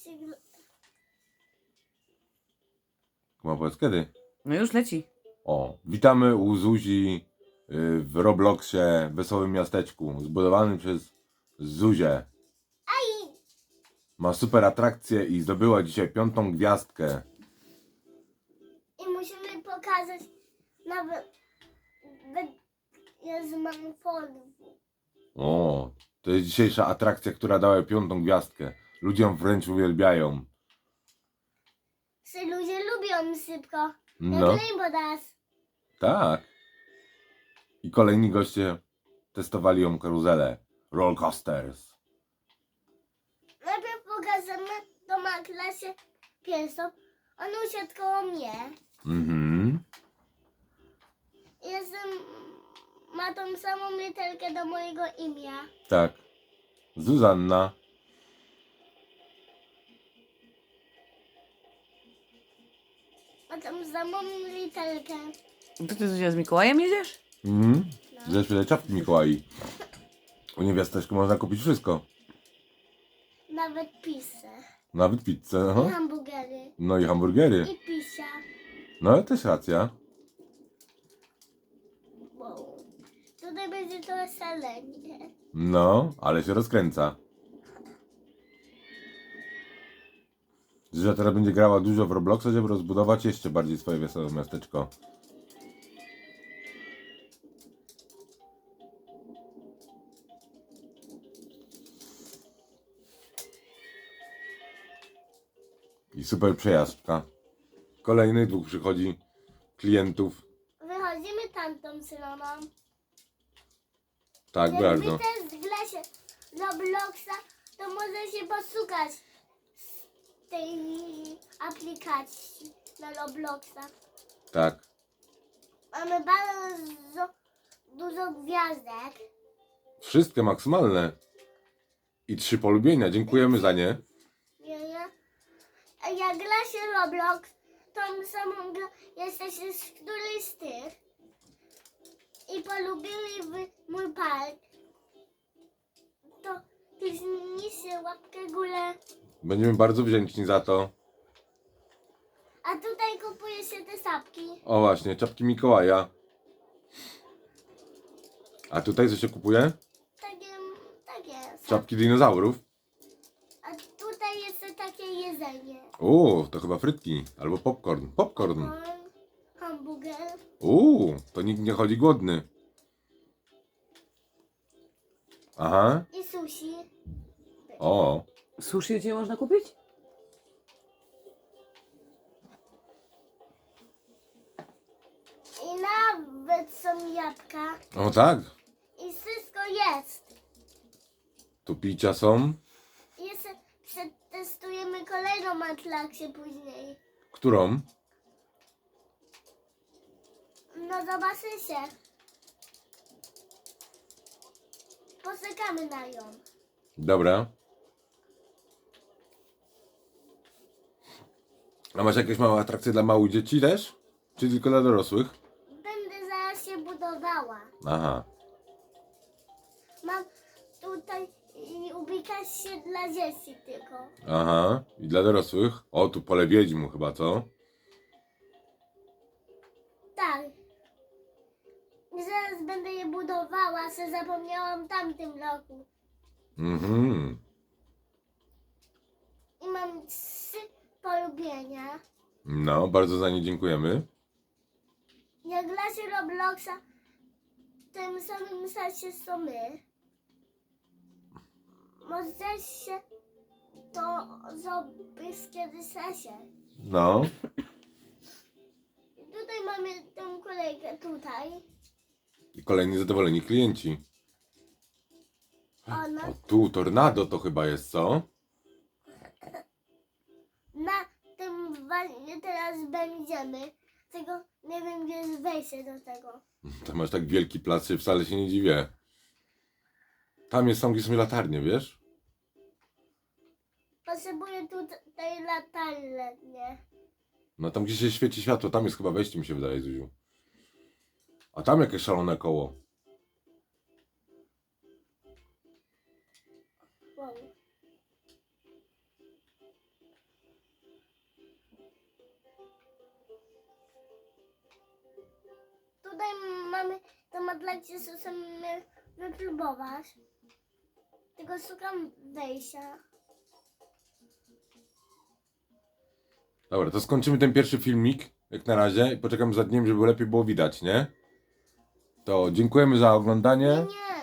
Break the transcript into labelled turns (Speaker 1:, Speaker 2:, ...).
Speaker 1: Ma powiedz kiedy?
Speaker 2: No już leci.
Speaker 1: O, witamy u Zuzi w Robloxie Wesołym Miasteczku, zbudowanym przez Zuzię. Ma super atrakcję i zdobyła dzisiaj 5. gwiazdkę.
Speaker 3: I musimy pokazać nawet Jezu, mam folwę.
Speaker 1: O, to jest dzisiejsza atrakcja, która dała 5. gwiazdkę. Ludziom wręcz uwielbiają.
Speaker 3: Ludzie lubią sypko.
Speaker 1: No,
Speaker 3: Jak Rainbow Dash.
Speaker 1: tak. I kolejni goście testowali ją karuzelę. Roller coasters.
Speaker 3: Najpierw pokażemy to ma klasie pierwszą. On usiadł koło mnie.
Speaker 1: Mhm.
Speaker 3: Ma tą samą literkę do mojego imienia.
Speaker 1: Tak. Zuzanna.
Speaker 3: Ma tą samą literkę.
Speaker 2: To ty Zuzia z Mikołajem jedziesz?
Speaker 1: Mhm. Za chwilę czapki Mikołaj. U niewiasteczku można kupić wszystko.
Speaker 3: Nawet pisę.
Speaker 1: Nawet pizzę.
Speaker 3: I
Speaker 1: Aha.
Speaker 3: hamburgery.
Speaker 1: No i hamburgery.
Speaker 3: I pisia.
Speaker 1: No ale też racja.
Speaker 3: Wow. Tutaj będzie to szalenie.
Speaker 1: No, ale się rozkręca. Zuzia teraz będzie grała dużo w Robloxa, żeby rozbudować jeszcze bardziej swoje wesołe miasteczko. I super przejażdżka. Kolejnych 2 przychodzi klientów.
Speaker 3: Wychodzimy tamtą stroną.
Speaker 1: Tak,
Speaker 3: Jak
Speaker 1: bardzo.
Speaker 3: widzę w glasie Robloxa, to może się posłuchać z tej aplikacji na Robloxa.
Speaker 1: Tak.
Speaker 3: Mamy bardzo dużo gwiazdek.
Speaker 1: Wszystkie maksymalne. I 3 polubienia. Dziękujemy za nie.
Speaker 3: Nie? A jak gra się Roblox, tą samą grę jesteście z którejś z tych i polubili mój park, to kliknijcie łapkę w górę.
Speaker 1: Będziemy bardzo wdzięczni za to.
Speaker 3: A tutaj kupuje się te sapki.
Speaker 1: O właśnie, czapki Mikołaja. A tutaj co się kupuje?
Speaker 3: Takie
Speaker 1: Czapki dinozaurów.
Speaker 3: A tutaj jest takie jedzenie.
Speaker 1: To chyba frytki. Albo popcorn. Popcorn.
Speaker 3: Hamburger.
Speaker 1: To nikt nie chodzi głodny. Aha.
Speaker 3: I sushi.
Speaker 1: O.
Speaker 2: Sushi gdzie można kupić?
Speaker 3: I nawet są jabłka.
Speaker 1: O tak.
Speaker 3: I wszystko jest.
Speaker 1: Tu picia są.
Speaker 3: I jeszcze przetestujemy kolejną atrakcję później.
Speaker 1: Którą?
Speaker 3: No zobaczycie. Poczekamy na ją.
Speaker 1: Dobra. A masz jakieś małe atrakcje dla małych dzieci też? Czy tylko dla dorosłych?
Speaker 3: Będę zaraz się budowała.
Speaker 1: Aha.
Speaker 3: Mam tutaj ubikację dla dzieci tylko.
Speaker 1: Aha. I dla dorosłych? O, tu pole wiedźm chyba, co?
Speaker 3: Tak. I zaraz będę je budowała, co zapomniałam w tamtym roku.
Speaker 1: Mhm.
Speaker 3: I mam 3 polubienia.
Speaker 1: No, bardzo za nie dziękujemy.
Speaker 3: Jak gra się Robloxa, w tym samym sensie co my. Może się to zrobić kiedyś sensie.
Speaker 1: No.
Speaker 3: Tutaj mamy tę kolejkę tutaj.
Speaker 1: I kolejni zadowoleni klienci.
Speaker 3: Ona
Speaker 1: O, tu tornado to chyba jest, co?
Speaker 3: na tym właśnie teraz będziemy. Tylko nie wiem, gdzie jest wejście do tego.
Speaker 1: To masz tak wielki plac, że wcale się nie dziwię. Tam jest, są gdzie są latarnie, wiesz?
Speaker 3: Potrzebuję tutaj latarnię, nie?
Speaker 1: No tam gdzie się świeci światło, tam jest chyba wejście, mi się wydaje, Zuziu. A tam jakieś szalone koło.
Speaker 3: Wow. tutaj mamy tą atrakcję, co chcemy wypróbować. Tylko szukam wejścia.
Speaker 1: Dobra, to skończymy ten pierwszy filmik, jak na razie, i poczekamy za dniem, żeby lepiej było widać, nie? To dziękujemy za oglądanie.
Speaker 3: Nie.